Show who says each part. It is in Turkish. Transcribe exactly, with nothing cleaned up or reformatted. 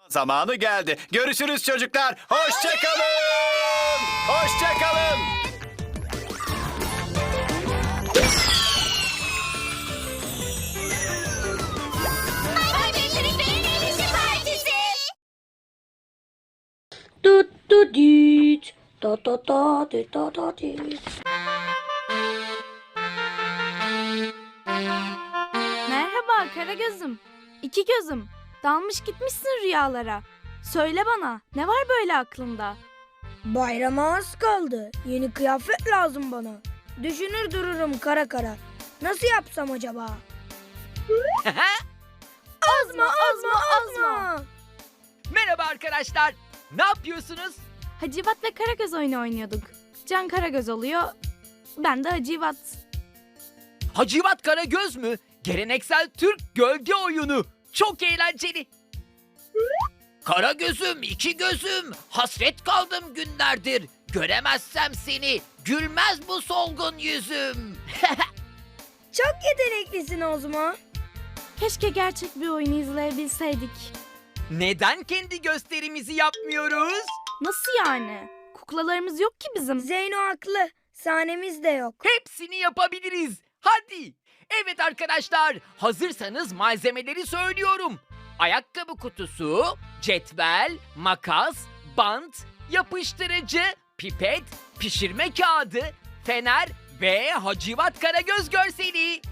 Speaker 1: Zamanı geldi. Görüşürüz çocuklar. Hoşça kalın. Hoşça kalın.
Speaker 2: Tut tut düt. Da da da düt da da düt.
Speaker 3: Merhaba Karagöz'üm. İki gözüm. Dalmış gitmişsin rüyalara. Söyle bana, ne var böyle aklında?
Speaker 2: Bayrama az kaldı. Yeni kıyafet lazım bana. Düşünür dururum kara kara. Nasıl yapsam acaba? Azma azma azma.
Speaker 4: Merhaba arkadaşlar. Ne yapıyorsunuz?
Speaker 3: Hacivat ve Karagöz oyunu oynuyorduk. Can Karagöz oluyor, ben de Hacivat.
Speaker 4: Hacivat Karagöz mü? Geleneksel Türk gölge oyunu. Çok eğlenceli. Karagözüm, iki gözüm. Hasret kaldım günlerdir. Göremezsem seni, gülmez bu solgun yüzüm.
Speaker 2: Çok yeteneklisin Ozma.
Speaker 3: Keşke gerçek bir oyunu izleyebilseydik.
Speaker 4: Neden kendi gösterimizi yapmıyoruz?
Speaker 3: Nasıl yani? Kuklalarımız yok ki bizim.
Speaker 2: Zeyno haklı. Sahnemiz de yok.
Speaker 4: Hepsini yapabiliriz. Hadi. Evet arkadaşlar, hazırsanız malzemeleri söylüyorum. Ayakkabı kutusu, cetvel, makas, bant, yapıştırıcı, pipet, pişirme kağıdı, fener ve Hacivat Karagöz görseli.